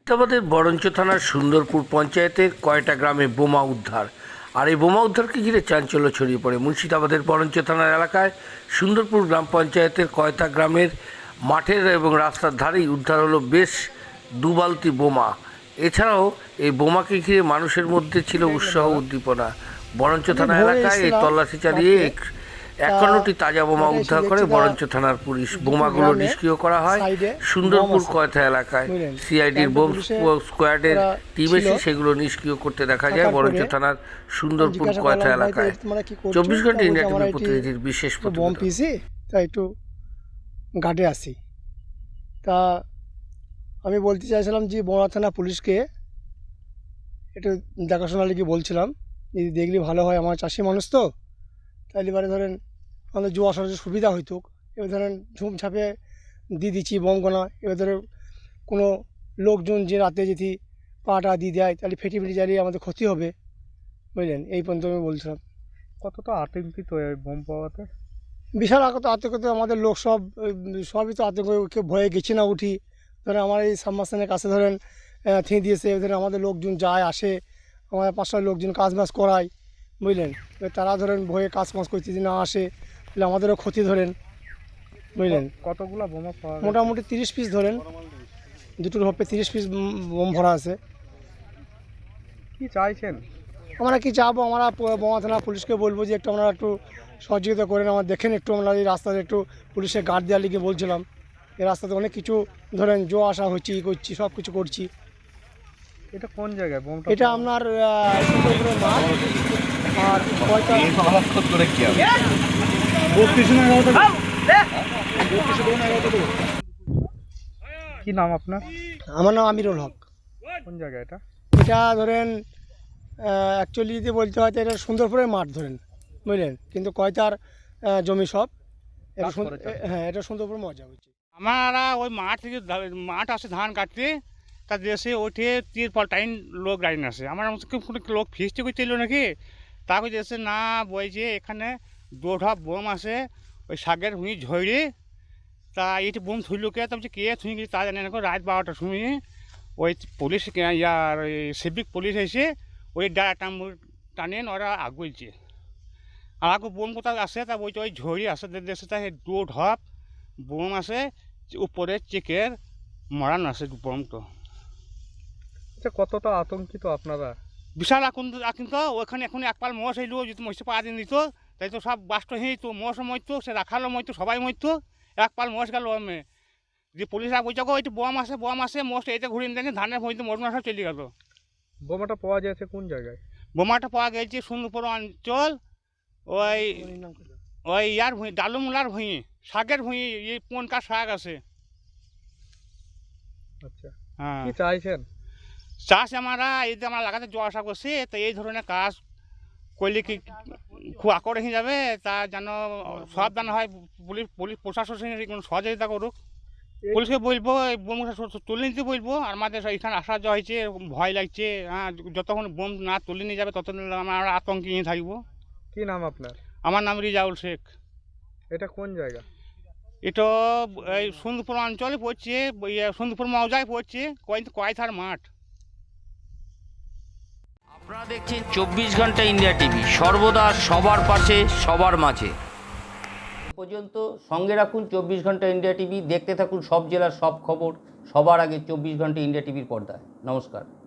মুর্শিদাবাদের বরঞ্চ থানার সুন্দরপুর পঞ্চায়েতের কয়টা গ্রামে বোমা উদ্ধার। আর এই বোমা উদ্ধারকে ঘিরে চাঞ্চল্য ছড়িয়ে পড়ে মুর্শিদাবাদের বরঞ্চ থানার এলাকায়। সুন্দরপুর গ্রাম পঞ্চায়েতের কয়টা গ্রামের মাঠের এবং রাস্তার ধারেই উদ্ধার হলো বেশ 2 বালতি বোমা। এছাড়াও এই বোমাকে ঘিরে মানুষের মধ্যে ছিল উৎসাহ উদ্দীপনা। বরঞ্চ থানা এলাকায় এই তল্লাশি চালিয়ে 51টি তাজা বোমা উদ্ধার করে বরঞ্চ থানার পুলিশ। বোমাগুলো নিষ্ক্রিয় করা হয় সুন্দরপুর কয়থা এলাকায়। সিআইডির বোম স্কোয়াডের টিম এসে সেগুলো নিষ্ক্রিয় করতে দেখা যায় বরঞ্চ থানার সুন্দরপুর কয়থা এলাকায়। 24 ঘন্টা ইন্ডিয়া টিভির প্রতিনিধির বিশেষ প্রতিবেদন। তা একটু ঘাটে আসি, তা আমি বলতে চাইছিলাম যে বড়া থানা পুলিশকে একটু দেখাশোনা লিখে বলছিলাম, যদি দেখলে ভালো হয়। আমার চাষি মানুষ তো, তাহলে এবারে ধরেন আমাদের জোয়া আসার সুবিধা হইতো। এবার ধরেন ঝুমঝাপে দিয়ে দিচ্ছি বোমগোনা, এবার ধরে কোনো লোকজন যে রাতে যদি পাটা দিয়ে দেয় তাহলে ফেটে জ্বালিয়ে আমাদের ক্ষতি হবে, বুঝলেন। এই পর্যন্ত আমি বলছিলাম। কতটা আতঙ্কিত এই বোম পাওয়াতে? বিশাল আতঙ্কিত আমাদের লোক, সবই তো আতঙ্ক, কেউ ভয়ে গেছে না উঠি। ধরেন আমার এই সাবমার্শনের কাছে ধরেন থিঁ দিয়েছে, ধরেন আমাদের লোকজন যায় আসে, আমাদের 500 লোকজন কাজ বাজ করায়, বুঝলেন। এবার তারা ধরেন ভয়ে কাজ বাজ করতে যদি না আসে তাহলে আমাদেরও ক্ষতি, ধরেন, বুঝলেন। কতগুলো বোমা পাওয়া গেছে? মোটামুটি 30 পিস, ধরেন দুটোর হপে 30 পিস বোম ভরা আছে। কি চাইছেন? আমরা কি চাবো, আমরা বোমা থানা পুলিশকে বলবো যে একটু আমরা একটু সহযোগিতা করেন, আমরা দেখেন একটু, আমরা এই রাস্তাতে একটু পুলিশের গার্ড দেওয়ার লিগে বলছিলাম। এই রাস্তাতে অনেক কিছু ধরেন জো আসা হচ্ছে, ই করছি, সব কিছু করছি। এটা কোন জায়গায় বোমটা? এটা আপনার সুন্দরপুরের মাঠ। আর কি নাম আপনার? আমার নাম আমিরুল হক। কোন জায়গা এটা? এটা ধরেন অ্যাকচুয়ালি যদি বলতে হয় তো এটা সুন্দরপুরের মাঠ, ধরেন, বুঝলেন। কিন্তু কয়তার জমি সব, হ্যাঁ, এটা সুন্দরপুর মজা হচ্ছে। আমরা ওই মাঠ থেকে মাঠ আসে ধান কাটতে, তা দেশে ওঠে 3-4 লোক লাইন আসে। আমার কোনো লোক ফিস্টি করছিল নাকি, তাকে দেশে না বলছে এখানে 2 ঢপ বোম আসে ওই শাকের ভুঁই ঝড়ি। তা এইটি বোম থুইল কে, তা কে থুই গেছে তা জানে না। রাত 12টার সময় ওই পুলিশ ইয়ার সিভিক পুলিশ এসে ওই টানেন, ওরা আগুলছে। আর আগু বোম কোথাও আসে, তা বলছে ওই ঝড়ি আসে দেশে, তা 2 ঢপ বোম আছে উপরে চেকের মরান আছে বোম। তো আচ্ছা, কতটা আতঙ্কিত আপনারা? বিশাল আতঙ্ক। ওখানে এখন 1 পাল মোষ এলো, যদি মহিষে পা দিন দিত তাই তো সব বাস্ট হয়ে তো, মোষও মরতো, সে রাখালো মরতো, সবাই মরতো। 1 পাল মোষ গেল আমি, যে পুলিশরা বলছে ওই বোম আসে মোষ এইটা ঘুরিয়ে দেন, ধানের ভুঁইতে মরনা সব চলে গেল। বোমাটা পাওয়া যাচ্ছে কোন জায়গায়? বোমাটা পাওয়া গেছে সুন্দরপুর অঞ্চল, ওই ইয়ার ভুঁই, ডালুমুলার ভুঁই, শাকের ভুঁই, এই পনকা শাক আছে। আচ্ছা, হ্যাঁ, কি চাইছেন? চাষ আমরা এই যে আমরা লাগাতে জল আশা করছি, তো এই ধরনের কাজ করলে কি খুব আকড় হয়ে যাবে, তা যেন সাবধান হয়। পুলিশ প্রশাসন কোনো সহযোগিতা করুক। পুলিশকে বলবো বোমটা তুলে নিতে বলবো। আর আমাদের এখানে আসা যাওয়া হয়েছে, ভয় লাগছে। হ্যাঁ, যতক্ষণ বোম না তুলে নিয়ে যাবে ততক্ষণ আমরা আতঙ্কে নিয়ে থাকবো। কি নাম আপনার? আমার নাম রিজাউল শেখ। এটা কোন জায়গা? এটা এই সুন্দরপুর অঞ্চলে পড়ছে, সুন্দরপুর মৌজায় পড়ছে, কয়থার মাঠ। আপনারা দেখছেন 24 ঘন্টা ইন্ডিয়া টিভি, সর্বদা সবার পাশে, সবার মাঝে। পর্যন্ত সঙ্গে রাখুন 24 ঘন্টা ইন্ডিয়া টিভি, দেখতে থাকুন সব জেলার সব খবর সবার আগে 24 ঘন্টা ইন্ডিয়া টিভির পর্দায়। নমস্কার।